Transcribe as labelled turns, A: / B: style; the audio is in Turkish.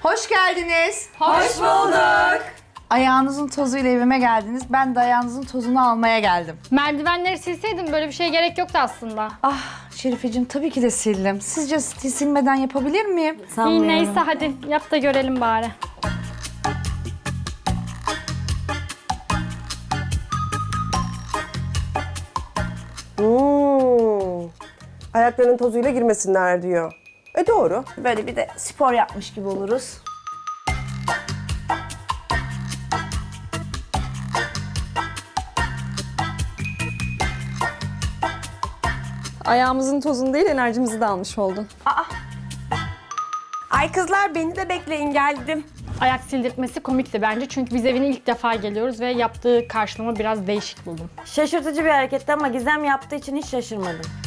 A: Hoş geldiniz.
B: Hoş bulduk.
A: Ayağınızın tozuyla evime geldiniz. Ben de ayağınızın tozunu almaya geldim.
B: Merdivenleri silseydim böyle bir şeye gerek yoktu aslında.
A: Ah Şerifeciğim tabii ki de sildim. Sizce silmeden yapabilir miyim?
B: İyi neyse hadi yap da görelim bari.
C: Ayaklarının tozuyla girmesinler diyor. Doğru.
A: Böyle bir de spor yapmış gibi oluruz.
D: Ayağımızın tozunu değil, enerjimizi de almış oldun.
E: Ay kızlar beni de bekleyin geldim.
B: Ayak sildirtmesi komikti bence çünkü biz evine ilk defa geliyoruz ve yaptığı karşılama biraz değişik buldum.
F: Şaşırtıcı bir hareketti ama Gizem yaptığı için hiç şaşırmadım.